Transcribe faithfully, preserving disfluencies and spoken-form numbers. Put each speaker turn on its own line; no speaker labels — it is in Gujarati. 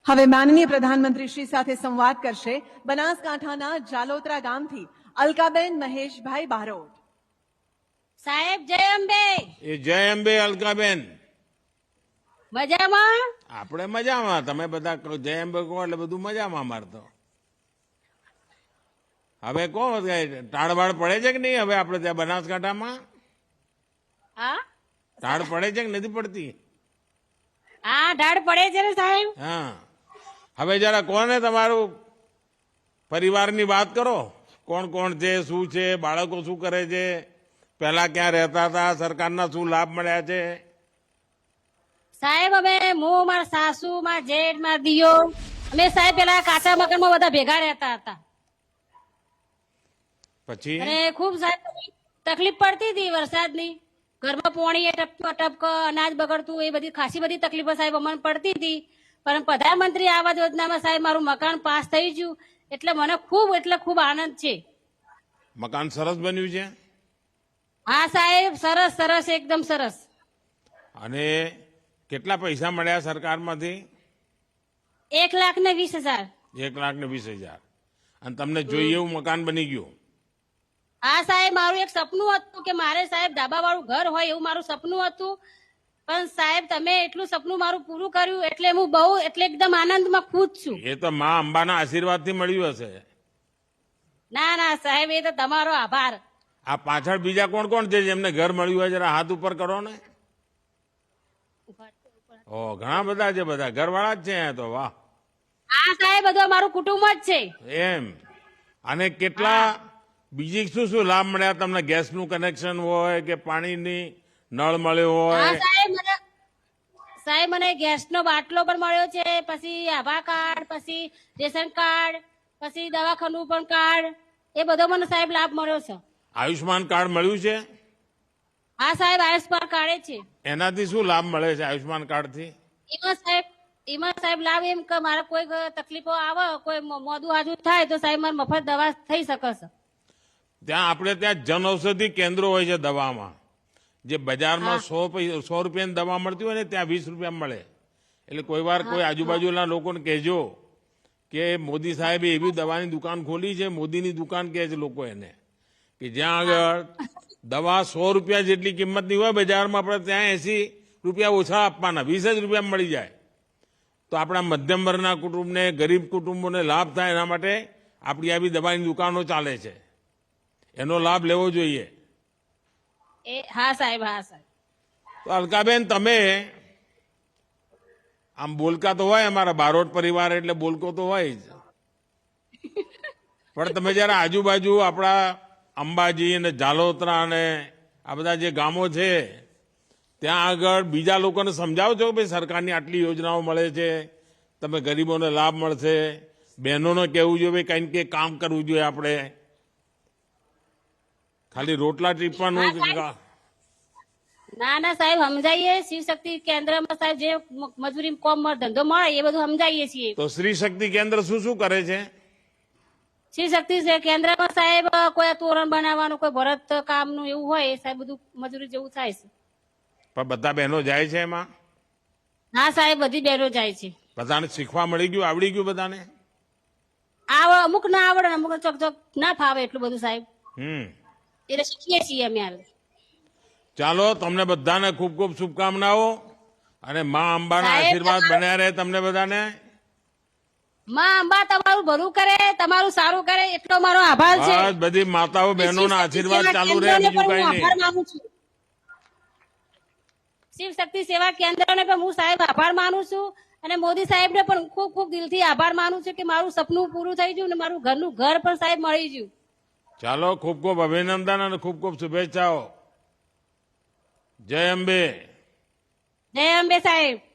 હવે માનનીય પ્રધાનમંત્રી શ્રી સાથે સંવાદ કરશે બનાસકાંઠાના જાલોત્રા ગામથી અલકાબેન મહેશભાઈ બારોટ.
સાહેબ જય અંબે.
એ જય અંબે અલકાબેન.
મજામાં?
આપણે મજામાં. તમે બધા કહો જય અંબે કહો એટલે બધું મજામાં. અમારે તો હવે કહો ટાળવાળ પડે છે કે નહીં હવે આપણે ત્યાં બનાસકાંઠામાં?
હા
ટાળ પડે છે કે નથી પડતી?
હા ઢાળ પડે છે ને સાહેબ.
હા હવે જરા કોને તમારું પરિવારની વાત કરો. કોણ કોણ છે, શું છે, બાળકો શું કરે છે, પહેલા ક્યાં રહેતા હતા, સરકારના શું લાભ મળ્યા છે?
સાહેબ અમે હું મારા સાસુ મારા જેઠ મારા દિયો અમે સાહેબ પેલા કાચા મકાનમાં બધા ભેગા રહેતા હતા.
પછી
અને ખૂબ સાહેબ તકલીફ પડતી હતી વરસાદની. ઘરમાં પોણી ટપકો ટપકો અનાજ બગડતું એ બધી ખાસી બધી તકલીફો સાહેબ અમને પડતી હતી. પણ પ્રધાનમંત્રી આવાસ યોજનામાં સાહેબ મારું મકાન પાસ થઈ ગયું એટલે મને ખૂબ એટલે ખૂબ આનંદ છે.
મકાન સરસ બન્યું છે?
હા સાહેબ સરસ સરસ એકદમ સરસ.
અને કેટલા પૈસા મળ્યા સરકારમાંથી?
એક લાખ ને વીસ હજાર.
એક લાખ ને વીસ હજાર. અને તમને જોઈએ એવું મકાન બની ગયું?
હા સાહેબ મારું એક સપનું હતું કે મારે સાહેબ ધાબા વાળું ઘર હોય એવું મારું સપનું હતું. પણ સાહેબ તમે એટલું સપનું મારું પૂરું કર્યું એટલે હું બહુ એટલે એકદમ આનંદમાં ખુશ છું.
એ તો મા અંબાના આશીર્વાદથી મળ્યું હશે.
ના ના સાહેબ એ તો તમારો આભાર.
આ પાછળ બીજા કોણ કોણ છે જેમને ઘર મળ્યું હોય જરા હાથ ઉપર કરો ને. ઓ ઘણા બધા છે. બધા ઘરવાળા જ છે અહીંયા તો. વાહ.
હા સાહેબ બધું અમારું કુટુંબ જ છે.
એમ. અને કેટલા બીજી શું શું લાભ મળ્યા તમને? ગેસનું કનેક્શન હોય કે પાણીની નળ મળ્યો
હા
હોય?
સાહેબ મને સાહેબ મને ગેસનો બાટલો પણ મળ્યો છે, પછી આભા કાર્ડ, પછી રેશન કાર્ડ, પછી દવાખાનું પણ કાર્ડ એ બધો મને સાહેબ લાભ મળ્યો છે.
આયુષ્માન કાર્ડ મળ્યું છે?
હા સાહેબ આયુષ્માન કાર્ડ છે.
એનાથી શું લાભ મળે છે આયુષ્માન કાર્ડથી?
એમાં સાહેબ એમાં સાહેબ લાભ એમ કે મારે કોઈ તકલીફો આવે, કોઈ મોદું હાજુ થાય તો સાહેબ મારે મફત દવા થઈ શકે છે.
ત્યાં આપણે ત્યાં જન ઔષધિ કેન્દ્રો હોય છે દવામાં. જે બજારમાં સો સો રૂપિયાની દવા મળતી હોય ને ત્યાં વીસ રૂપિયા મળે. એટલે કોઈ વાર કોઈ આજુબાજુના લોકોને કહેજો કે મોદી સાહેબે એવી દવાની દુકાન ખોલી છે, મોદીની દુકાન કહે છે લોકો એને, કે જ્યાં આગળ દવા સો રૂપિયા જેટલી કિંમતની હોય બજારમાં આપણે ત્યાં એસી રૂપિયા ઓછા આપવાના, વીસ જ રૂપિયા મળી જાય. તો આપણા મધ્યમ વર્ગના કુટુંબને, ગરીબ કુટુંબોને લાભ થાય એના માટે આપણી આવી દવાની દુકાનો ચાલે છે. એનો લાભ લેવો જોઈએ.
એ હા સાહેબ હા સાહેબ.
તો અલકાબેન તમે આમ બોલકા તો હોય, અમારા બારોટ પરિવાર એટલે બોલકો તો હોય જ, પણ તમે જયારે આજુબાજુ આપણા અંબાજી અને જાલોત્રા અને આ બધા જે ગામો છે ત્યાં આગળ બીજા લોકોને સમજાવો છો કે ભાઈ સરકારની આટલી યોજનાઓ મળે છે, તમે ગરીબોને લાભ મળશે, બહેનોને કહેવું જોઈએ ભાઈ કંઈક કંઈક કામ કરવું જોઈએ આપણે, ખાલી રોટલા ટીપવાનું?
ના ના સાહેબ સમજાઈએ. શિવ શક્તિ કેન્દ્રમાં સાહેબ જે મજૂરી કોમ ધંધો મળે એ બધું સમજાઈએ છીએ.
તો શ્રી શક્તિ કેન્દ્ર શું શું કરે છે?
શિવ શક્તિ કેન્દ્રમાં સાહેબ કોઈ તોરણ બનાવવાનું, કોઈ ભરત કામનું એવું હોય સાહેબ બધું મજૂરી જેવું થાય છે.
પણ બધા બહેનો જાય છે એમાં?
હા સાહેબ બધી બહેનો જાય છે.
બધાને શીખવા મળી ગયું, આવડી ગયું બધાને?
આવડે અમુક ના આવડે, અમુક ચોક ચોક ના ફાવે એટલું બધું સાહેબ.
હમ
એટલે શીખીએ છીએ અમે. હાલ
ચાલો, તમને બધાને ખૂબ ખૂબ શુભકામનાઓ અને મા અંબાના
સાહેબ,
આશીર્વાદ
તમારું-
બન્યા રહે તમને બધાને.
માં અંબા તમારું ભલું કરે, તમારું સારું કરે એટલો મારો આભાર છે.
બસ બધી માતાઓ બહેનોના આશીર્વાદ ચાલુ રહે, બીજું કઈ નહીં.
આભાર માનું છું. શિવ શક્તિ સેવા કેન્દ્રને પણ હું સાહેબ આભાર માનું છું અને મોદી સાહેબને પણ ખૂબ ખૂબ દિલથી આભાર માનું છું કે મારું સપનું પૂરું થઈ ગયું અને મારું ઘરનું ઘર પણ સાહેબ મળી ગયું.
ચાલો, ખૂબ ખૂબ અભિનંદન અને ખૂબ ખૂબ શુભેચ્છાઓ. જય અંબે.
જય અંબે સાહેબ.